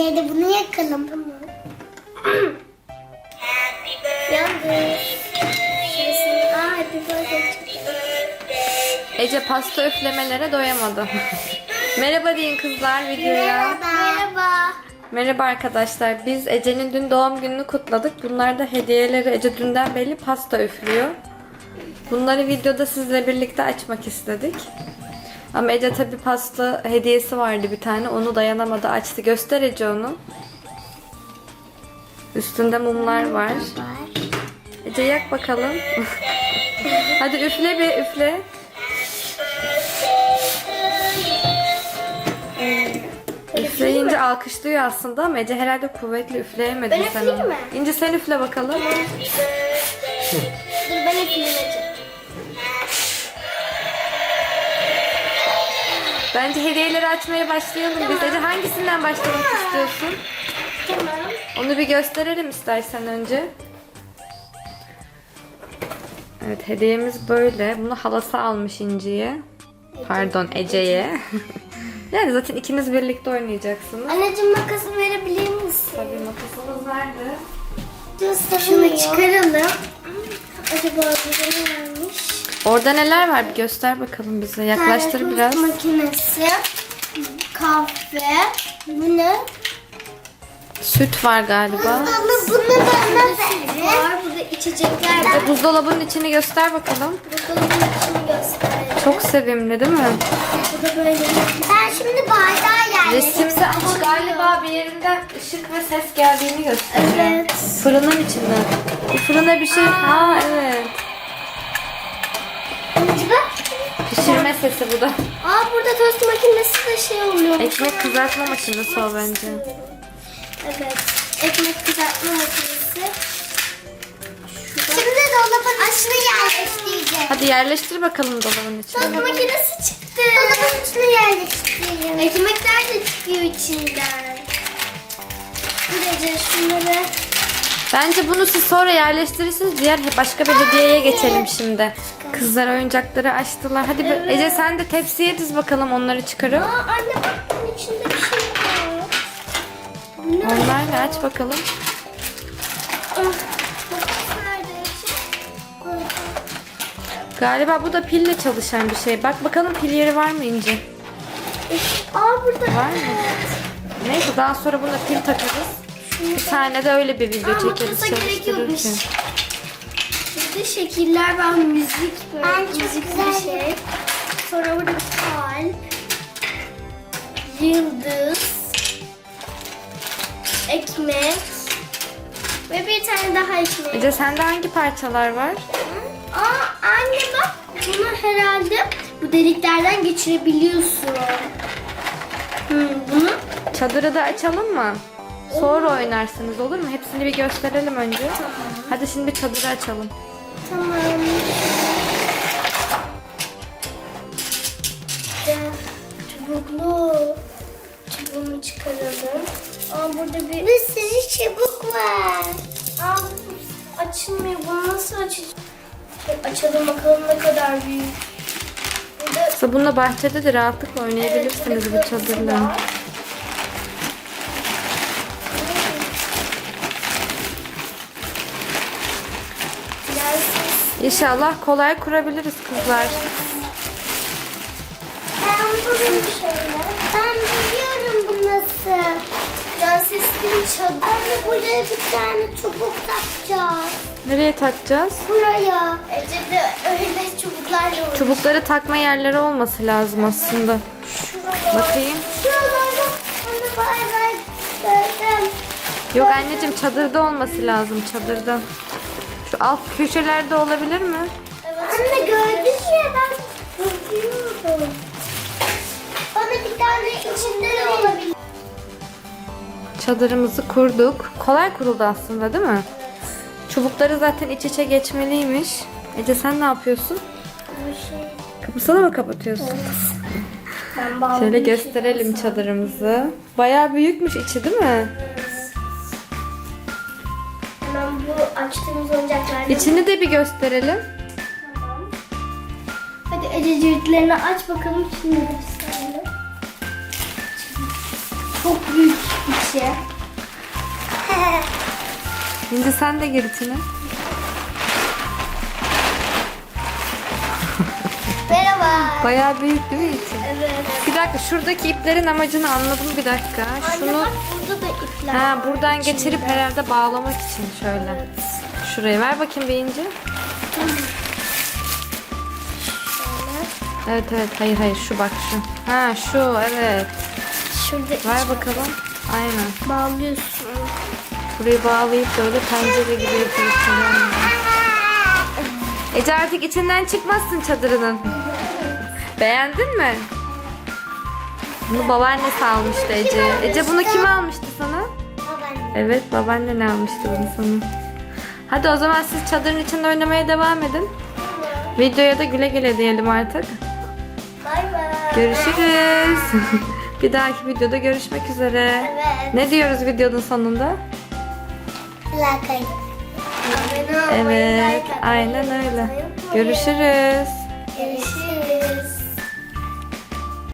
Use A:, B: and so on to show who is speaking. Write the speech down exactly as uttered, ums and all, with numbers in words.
A: Ece'ye de bunu yakalım. Yalnız. Şurasını. Aa, happy birthday.
B: Ece pasta üflemelere doyamadı. Merhaba deyin kızlar videoya.
A: Merhaba. Merhaba.
B: Merhaba arkadaşlar. Biz Ece'nin dün doğum gününü kutladık. Bunlar da hediyeleri. Ece dünden beri pasta üflüyor. Bunları videoda sizle birlikte açmak istedik. Ama Ece tabi pasta hediyesi vardı bir tane. Onu dayanamadı, açtı. Göster Ece onu. Üstünde mumlar var. Ece yak bakalım. Hadi üfle bir üfle. Üfleyince alkışlıyor aslında ama Ece herhalde kuvvetli üfleyemedi
A: Ben
B: sen
A: üfleyeyim
B: onu.
A: mi?
B: İnce sen üfle bakalım.
A: Dur ben üfleyeceğim.
B: Bence hediyeleri açmaya başlayalım biz. Ece hangisinden başlamak istiyorsun?
A: Tamam.
B: Onu bir gösterelim istersen önce. Evet, hediyemiz böyle. Bunu halası almış İnci'ye. Pardon, Ece'ye. Yani zaten ikiniz birlikte oynayacaksınız.
A: Anneciğim makası verebilir misin?
B: Tabii makasımız nerede?
A: Şunu çıkaralım. Acaba burada ne varmış?
B: Orada neler var bir göster bakalım bize. Yaklaştır
A: Tane
B: biraz.
A: tost makinesi, kahve, bu ne?
B: Süt var galiba.
A: Bunu da ne var? Burada içecekler var.
B: Ece, buzdolabının içini göster bakalım.
A: Buzdolabının içini göstereyim.
B: Çok sevimli değil mi?
A: Bu da böyle. Ben şimdi bardağı yerleştirdim.
B: Resimde ama galiba bir yerinden ışık ve ses geldiğini gösteriyor.
A: Evet.
B: Fırının içinden. Bu fırına bir şey... Ha evet. Pişirme sesi bu da.
A: Aa burada tost makinesi de şey oluyor.
B: Ekmek kızartma makinesi o bence.
A: Evet. Ekmek kızartma makinesi. Şimdi dolabın içine yerleştireceğim.
B: Hadi yerleştir bakalım dolabın
A: Tost
B: içine.
A: makinesi çıktı. Dolabın içine yerleştireyim. Ekmekler de çıkıyor içinden. Böylece şunları...
B: Bence bunu siz sonra yerleştirirsiniz. Diğer başka bir hediyeye geçelim şimdi. Kızlar oyuncakları açtılar. Hadi be- Ece sen de tepsiye diz bakalım onları çıkarıp.
A: Aa anne bak bunun içinde bir şey var. Bu ne?
B: Onlarla aç bakalım.
A: Ah, bu nerede? Koy.
B: Galiba bu da pille çalışan bir şey. Bak bakalım pil yeri var mı İnci?
A: Aa burada.
B: Var mı? Neyse daha sonra buna pil takarız. Bir tane de öyle bir video
A: Aa,
B: çekeriz
A: makasa gerek yokmuş.
B: çalıştırırken.
A: Burada şekiller var, müzik böyle.
C: Ben çok
A: müzik
C: güzel.
A: bir şey. Sonra burada kalp, yıldız, ekmek ve bir tane daha ekmek.
B: Ece sende hangi parçalar var?
A: Aa anne bak bunu herhalde bu deliklerden geçirebiliyorsun. Hmm, bunu
B: Çadırı da açalım mı? Sonra oynarsınız olur mu? Hepsini bir gösterelim önce. Hadi şimdi bir çadırı açalım.
A: tamam. İşte çubuklu. Çubuğunu çıkaralım. Aa burada bir...
C: Bir sürü çubuk var.
A: Aa bu açılmıyor. Bunu nasıl açacağız? Şöyle açalım bakalım ne kadar büyük. Burada
B: Aslında bununla bahçede de rahatlıkla oynayabilirsiniz bu çadırla. İnşallah kolay kurabiliriz kızlar.
C: Ben bunu Ben biliyorum bu nasıl.
A: Prenseslerin çadır.
C: Anne buraya bir tane çubuk takacağız.
B: Nereye takacağız?
C: Buraya.
A: Ece de öyle çubuklarla oynuyor.
B: Çubukları takma yerleri olması lazım aslında. Bakayım.
C: Şuralarda onu bay bay gördüm.
B: Yok anneciğim çadırda olması lazım çadırda. Şu alt köşelerde olabilir mi?
C: Anne gördün ya ben bakıyorum. Bana bir tane içinde de olabilir.
B: Çadırımızı kurduk. Kolay kuruldu aslında değil mi? Çubukları zaten iç içe geçmeliymiş. Ece sen ne yapıyorsun?
A: Bu şey.
B: Kapısını mı kapatıyorsun?
A: Ben bağlı
B: Şöyle
A: bir şey
B: gösterelim
A: yapsam.
B: çadırımızı. Bayağı büyükmüş içi değil mi?
A: Hemen bu açtığımız oyuncaklardan.
B: İçini de bir gösterelim.
A: Tamam. Hadi Ece ciltlerini aç bakalım içini gösterelim. Çok büyük. içi.
B: Şimdi sen de gir içine.
C: Merhaba.
B: Bayağı büyük değil mi içi?
A: Evet.
B: Bir dakika, şuradaki iplerin amacını anladım bir dakika.
A: Anne
B: Şunu
A: bak burada da ipler
B: ha
A: var
B: buradan
A: içinde.
B: geçirip herhalde bağlamak için şöyle.
A: Evet.
B: Şuraya ver bakayım bir ince. Evet evet, hayır hayır, şu bak şu. Ha şu, evet.
A: Şurada
B: Ver
A: iç
B: bakalım. Aynen.
A: bağlıyorsun.
B: Burayı bağlayıp böyle pencere gibi yapıyorsun. Ece artık içinden çıkmazsın çadırının. Beğendin mi? Bunu babaannesi almıştı Ece. Ece bunu kim almıştı sana?
C: Babaanne.
B: Evet, babaannen almıştı bunu sana. Hadi o zaman siz çadırın içinde oynamaya devam edin. Videoya da güle güle diyelim artık.
C: Bay bay.
B: Görüşürüz. Bir dahaki videoda görüşmek üzere.
C: Evet.
B: Ne diyoruz videonun sonunda?
C: Plakayı.
A: Abone olmayı,
B: Evet,
A: like atmayı
B: aynen öyle.
A: unutmayın.
B: Görüşürüz.
A: Görüşürüz.